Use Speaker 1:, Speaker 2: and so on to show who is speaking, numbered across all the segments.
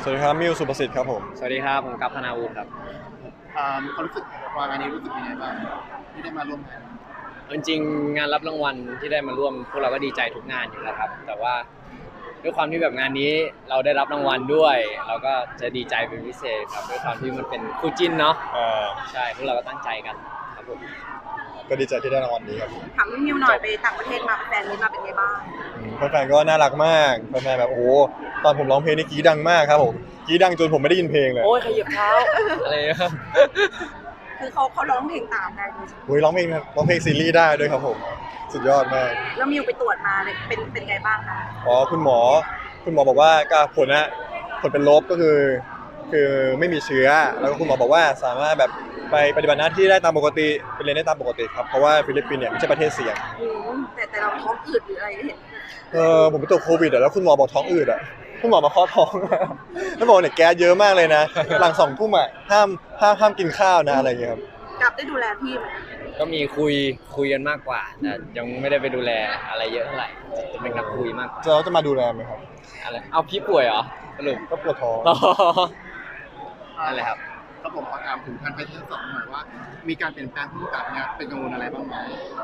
Speaker 1: สวัสดีครับมิวสุประสิทธิ์ครับผม
Speaker 2: สวัสดีครับผมกัปธนาวุฒิครับ
Speaker 3: มีความรู้สึกวางานนี้รู้สึกยังไงบ้างที่ได้มาร่วมงาน
Speaker 2: จริงๆงานรับรางวัลที่ได้มาร่วมพวกเราก็ดีใจทุกงานอยู่แล้วครับแต่ว่าด้วยความที่แบบงานนี้เราได้รับรางวัลด้วยเราก็จะดีใจเป็นพิเศษครับด้วยความที่มันเป็นคู่จิ้นเนาะใช่พวกเราก็ตั้งใจกันครับผม
Speaker 1: ก็ดีใจที่ได้รางวัลนี้ครับ
Speaker 4: ถามพี่มิวหน่อยไปต่างประเทศมาแฟนนี้มาเป็นไงบ้าง
Speaker 1: แฟนๆก็น่ารักมากแฟนๆแบบโอ้โหตอนผมร้องเพลงนี่กรี๊ดดังมากครับผมกรี๊ดดังจนผมไม่ได้ยินเพลงเลย
Speaker 2: โอ้ยขยับเท้าอะไรครับ
Speaker 4: คือเขาร้องเพลงตามได้ด้วย
Speaker 1: โอ้ยร้องเพลงซีรีส์ได้ด้วยครับผมสุดยอดมาก
Speaker 4: แล้วมิวไปตรวจมาเลยเป็นไงบ้างคะ
Speaker 1: อ๋อคุณหมอบอกว่าผลเป็นลบก็คือไม่มีเชื้อแล้วก็คุณหมอบอกว่าสามารถแบบไปปฏิบัติหน้าที่ได้ตามปกติไปเรียนได้ตามปกติครับเพราะว่าฟิลิปปินส์เนี่ยไม่ใช่ประเทศเสี่ยง
Speaker 4: แต่เราท้องอืดหรืออะไรเห็น
Speaker 1: ผมไปตรวจโควิดแล้วคุณหมอบอกท้องอืดคุณหมอมาเคาะท้องแล้วบอกเนี่ยแก๊สเยอะมากเลยนะหลัง2 ทุ่มห้ามกินข้าวนะอะไรอย่างเงี้ยครับ
Speaker 4: กลับได้ดูแลพี่ไหม
Speaker 2: ก็มีคุยกันมากกว่าแต่ยังไม่ได้ไปดูแลอะไรเยอะเท่าไหร่จะเป็นนักคุยมากกว่า
Speaker 1: เราจะมาดูแลไหมครับ
Speaker 2: อะไรเอาพี่ป่วยเหรอสรุป
Speaker 1: ก็ปวดท้อง
Speaker 2: นั่นแหละครับ
Speaker 3: ครับผมขอถามถึงการไปที่2หน่อยว่ามีการเปลี่ยนแปลงผู้กำกับเนี่ยเป็นกังวลอะไรบ้างไหม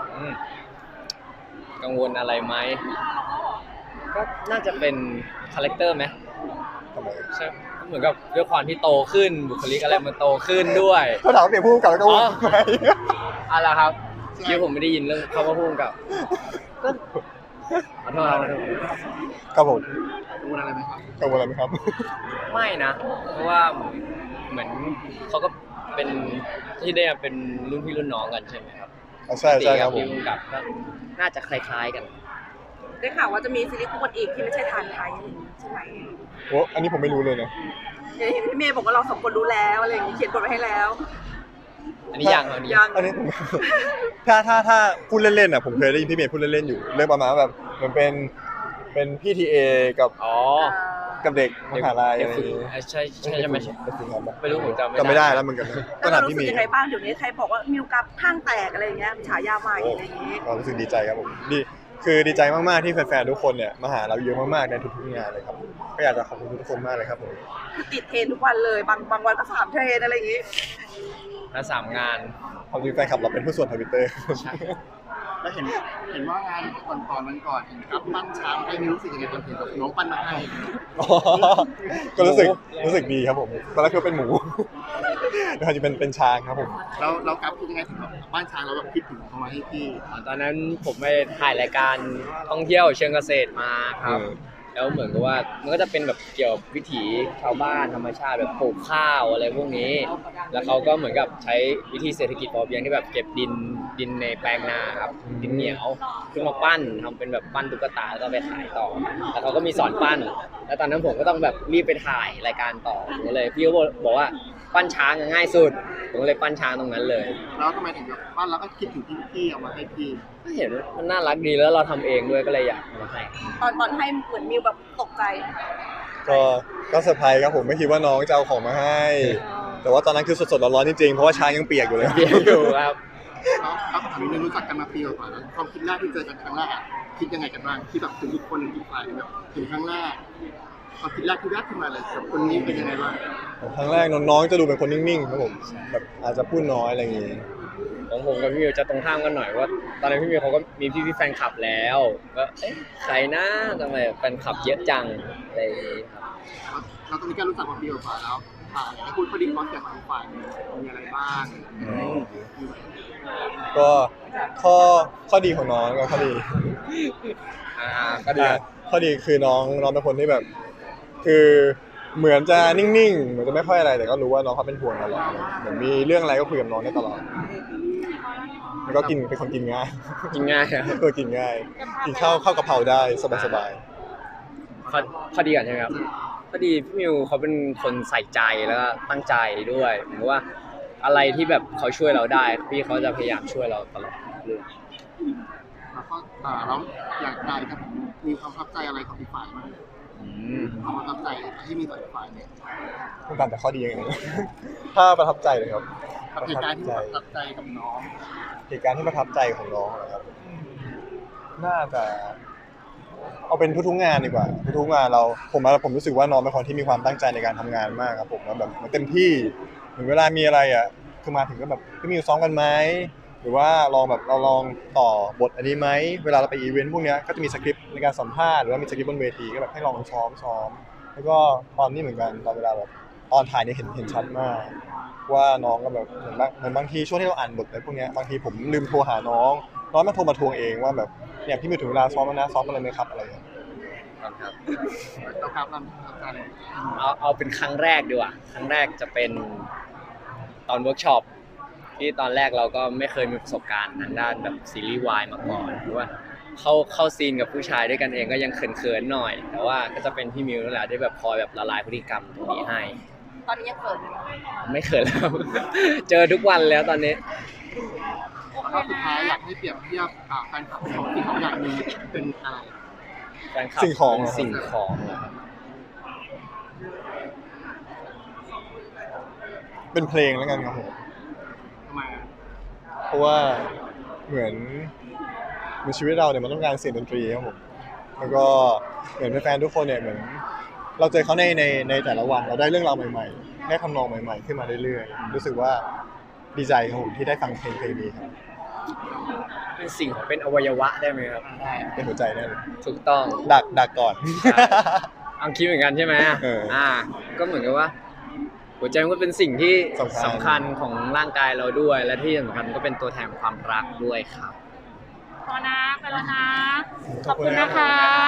Speaker 2: กังวลอะไรไหมก็น่าจะเป็นคาแรคเตอร์ไหมใช่เหมือนกับด้วยความที่โตขึ้นบุคลิกอะไรมันโตขึ้นด้วย
Speaker 1: เขาถามว่าเปลี่ยนผู้กำกับแล้วก็ว่าไหม
Speaker 2: อะไรครับคิดผมไม่ได้ยินเรื่องเขาว่าผู้กำกับก็ขอโทษ
Speaker 1: ครับผม
Speaker 3: กังวลอะไรไหมครับ
Speaker 1: กังวลอะไรไหมครับ
Speaker 2: ไม่นะเพราะว่าเหมือนเขาก็เป็นที่ได้เป็นรุ่นพี่รุ่นน้องกันใช่ไหมครับ
Speaker 1: ใช่ครับผม
Speaker 2: ผู้กำกับก็น่าจะคล้ายๆกัน
Speaker 4: ได้ข่าวว่าจะมีซีรีส์คู่กันอีกที่ไม่ใช่ทานไทยอะไรอย่างนี้ใช่ไหม
Speaker 1: โอ้อันนี้ผมไม่รู้เลยนะ
Speaker 4: เห็นพี่เมย์บอกว่าเรา2 คนรู้แล้วอะไรอย่างนี้เขียนบทไว้ให้แล้ว
Speaker 2: อันนี้ยัง
Speaker 1: อันนี้ผมถ้าพูดเล่นๆผมเคยได้ยินพี่เมย์พูดเล่นๆอยู่เรื่องประมาณแบบเหมือนเป็นพี่ทีเอกับเด็กมหาลัยอะไรอย่างงี้
Speaker 2: ใช่ไหมไม่รู้ผมจ
Speaker 1: ำไม่ได้แล้วเหมือนกัน
Speaker 4: ก็รู้สึกยังไงบ้างเดี๋ยวนี้ใครบอกว่ามิวกับข้างแตกอะไรอย่างเงี้ยฉายาใหม่อะไรอย่างงี้
Speaker 1: รู้สึกดีใจครับผมคือดีใจมากๆที่แฟนๆทุกคนเนี่ยมาหาเราเยอะมากๆในทุกๆงานเลยครับก็อยากจะขอบคุณทุกคนมากเลยครับผม
Speaker 4: คือติดเทรนทุกวันเลยบางวันก็3 เทรนอะไรอย่างงี้
Speaker 2: แล้ว3 งาน
Speaker 1: ความจริงแฟนคลับเราเป็นผู้ส่วน Twitter
Speaker 3: แล้วเห็นว่างานก่อนเห็นครับปั้นช้างให้มิวรู้สึกยังไงตอนเห็นแบบน้องปั้นมาให้
Speaker 1: ก็รู้สึกดีครับผมตอนแรกคือเป็นหมูแล้วจะเป็นช้างครับผม
Speaker 3: เรากับคิดยังไงถึงแบบปั้นช้างเราแบบคิดถึงเขามาให้พี่
Speaker 2: ตอนนั้นผมไปถ่ายรายการท่องเที่ยวเชิงเกษตรมาครับแล้วเหมือนกับว่ามันก็จะเป็นแบบเกี่ยวกับวิถีชาวบ้านธรรมชาติแบบปลูกข้าวอะไรพวกนี้แล้วเขาก็เหมือนกับใช้วิธีเศรษฐกิจพอเพียงที่แบบเก็บดินในแปลงนาครับดินเหนียวขึ้นมาปั้นทำเป็นแบบปั้นตุ๊กตาแล้วก็ไปขายต่อแล้วเขาก็มีสอนปั้นแล้วตอนนั้นผมก็ต้องแบบรีบไปถ่ายรายการต่อผมเลยพี่ก็บอกว่าปั้นช้างง่ายสุดผมเลยปั้นช้างตรงนั้นเลย
Speaker 3: แล้วทำไมถึงแบบปั้นแล้วก็คิดถึงพี่เอามาให้พี่
Speaker 2: ก็เห็นมันน่ารักดีแล้วเราทำเองด้วยก็เลยอยากมาให้
Speaker 4: ตอนให้เหมือนมิวแบบตกใจ
Speaker 1: ก็เซอร์ไพรส์ครับผมไม่คิดว่าน้องจะเอาของมาให้แต่ว่าตอนนั้นคือสดๆร้อนๆจริงๆเพราะว่าช้างยังเปียกอยู่เลย
Speaker 2: เปียกอยู่ครับ
Speaker 3: แล้วถามนิดนึงรู้จักกันมาปีกว่าแล้วความคิดแรกที่เจอกันครั้งแรกคิดยังไงกันบ้างที่แบบถึงทุกคนอีกฝ่ายแบบถึงครั้งแรกความคิดแรกที่แรกขึ้นมาเลยกับคนนี้เป็นยังไงบ้าง
Speaker 1: ครั้งแรกน้องๆจะดูเป็นคนนิ่งๆครับผมแบบอาจจะพูดน้อยอะไรอย่างงี้
Speaker 2: ของผมกับพี่มิวจะตรงข้ามกันหน่อยว่าตอนนั้นพี่มิวเขาก็มีพี่แฟนคลับแล้วก็ใครนะทำไมแฟนคลับเยอะจังอะไรอย่างงี้
Speaker 3: ครับเราตอนนี้ก็รู้จักมาปีกว่าแล้วให้พูดข้อดีข้อเสียของฝ่ายมีอะไรบ้าง
Speaker 1: ก็ข้อดีของน้องก็ข้อดีข้อดีคือน้องเป็นคนที่แบบคือเหมือนจะนิ่งๆเหมือนจะไม่ค่อยอะไรแต่ก็รู้ว่าน้องเขาเป็นห่วงตลอดเหมือนมีเรื่องอะไรก็คุยกับน้องได้ตลอดแล้วก็เป็นคนกินง่าย
Speaker 2: ครับ
Speaker 1: กินง่ายกินข้าวกะเพราได้สบาย
Speaker 2: ข้อดีก่อนใช่ไหมครับข้อดีพี่มิวเขาเป็นคนใส่ใจแล้วก็ตั้งใจด้วยผมว่าอะไรที่แบบเขาช่วยเราได้พี่เขาจะพยายามช่วยเราตลอดเรื่อง
Speaker 3: แล้วก็แล้วอยากได้ครับมีความประทับใจอะไรของอีกฝ่ายมั้ยความประทับใจที่มีต่ออีกฝ่ายเนี่ย
Speaker 1: ต้องการแต่ข้อดีอย่างเงี้ยถ้าประทับใจเลยครับ
Speaker 3: เหตุการณ์ที่ประทับใจกับน้อง
Speaker 1: เหตุการณ์ที่ประทับใจของน้องนะครับน่าจะเอาเป็นทุกๆงานดีกว่าทุกๆงานผมรู้สึกว่าน้องเป็นคนที่มีความตั้งใจในการทำงานมากครับผมแล้วแบบมันเต็มที่ถึงเวลามีอะไรอ่ะคือมาถึงก็แบบพี่มิวซ้อมกันไหมหรือว่าลองแบบเราลองต่อบทอันนี้ไหมเวลาเราไปอีเวนต์พวกเนี้ยก็จะมีสคริปต์ในการสัมภาษณ์หรือว่ามีสคริปต์บนเวทีก็แบบให้ลองซ้อมแล้วก็ตอนนี้เหมือนกันตอนเวลาแบบตอนถ่ายเนี่ยเห็นชัดมากว่าน้องก็แบบเหมือนบางทีช่วงที่เราอ่านบทอะไรพวกเนี้ยบางทีผมลืมโทรหาน้องมาโทรมาทวงเองว่าแบบเนี่ยพี่มิวถึงเวลาซ้อมแล้วนะซ้อมอะไรไหมครับอะไรอย่างเงี้ย
Speaker 2: ครับ
Speaker 3: เราครับเราการ
Speaker 2: เอาเป็นครั้งแรกดีกว่าครั้งแรกจะเป็นตอนเวิร์กช็อปที่ตอนแรกเราก็ไม่เคยมีประสบการณ์ทางด้านแบบซีรีส์วายมาก่อนหรือว่าเข้าซีนกับผู้ชายด้วยกันเองก็ยังเขินๆหน่อย แต่ว่าก็จะเป็นพี่มิวนั่นแหละที่แบบคอยแบบละลายพฤติกรรมตรงนี้ให้
Speaker 4: ตอนนี้ยังเปิดอยู่
Speaker 2: ไม่เขินแล้ว เจอทุกวันแล้วตอนนี้
Speaker 3: แล้วก็สุดท้ายอยากให้เปรียบเทียบแฟนคลับของที่เขาอยากมีเป็นอะไร
Speaker 2: แฟนคลับ
Speaker 1: สิ่งของเหรอ
Speaker 2: สิ่งของเหรอครับ
Speaker 1: เป็นเพลงแล้วกันครับผม
Speaker 3: ทำไมอ่ะ
Speaker 1: เพราะว่าเหมือนชีวิตเราเนี่ยมันต้องการเสียงดนตรีครับผมแล้วก็เหมือนแฟนๆทุกคนเนี่ยเหมือนเราเจอเขาในแต่ละวันเราได้เรื่องราวใหม่ๆได้ทำนองใหม่ๆขึ้นมาเรื่อยๆรู้สึกว่าดีใจครับผมที่ได้ฟังเพลงนี้ครับ
Speaker 2: เป็นสิ่งของเป็นอวัยวะได้ไหมครับ
Speaker 3: ได้
Speaker 1: เป็นหัวใจได้เลย
Speaker 2: ถูกต้อง
Speaker 1: ดักก่อน
Speaker 2: เอาคิดเหมือนกันใช่ไหม
Speaker 1: เออ
Speaker 2: ก็เหมือนกับว่า หัวใจมันก็เป็นสิ่งที่
Speaker 1: สำคัญ
Speaker 2: สำคัญของร่างกายเราด้วย และที่สำคัญก็เป็นตัวแทนความรักด้วยครับ
Speaker 4: พอนะไปแล้วนะ ขอบคุณนะคะ